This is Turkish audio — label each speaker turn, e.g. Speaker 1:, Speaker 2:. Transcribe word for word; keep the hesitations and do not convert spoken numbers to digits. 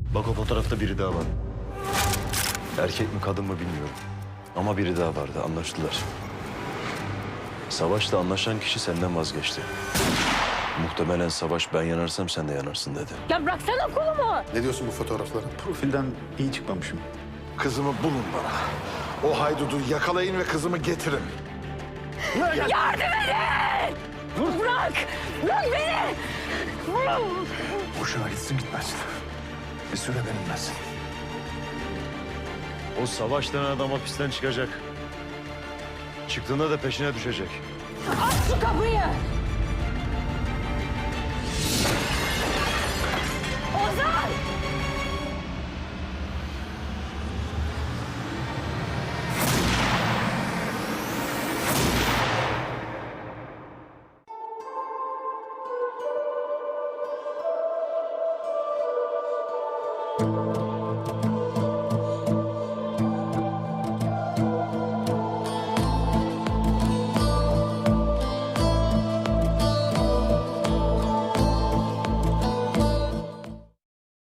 Speaker 1: Bak o fotoğrafta biri daha var. Erkek mi kadın mı bilmiyorum. Ama biri daha vardı, anlaştılar. Savaş'la anlaşan kişi senden vazgeçti. Muhtemelen Savaş ben yanarsam sen de yanarsın dedi.
Speaker 2: Ya bıraksana kolumu.
Speaker 3: Ne diyorsun bu fotoğraflara?
Speaker 4: Profilden iyi çıkmamışım.
Speaker 3: Kızımı bulun bana. O haydudu yakalayın ve kızımı getirin.
Speaker 2: Yardım edin! Bırak! Bırak beni!
Speaker 3: Boşuna gitsin gitmez. Bir süre benimlesin.
Speaker 1: O Savaş denen adam hapisten çıkacak. Çıktığında da peşine düşecek.
Speaker 2: Aç şu kapıyı! Ozan!
Speaker 5: Thank you.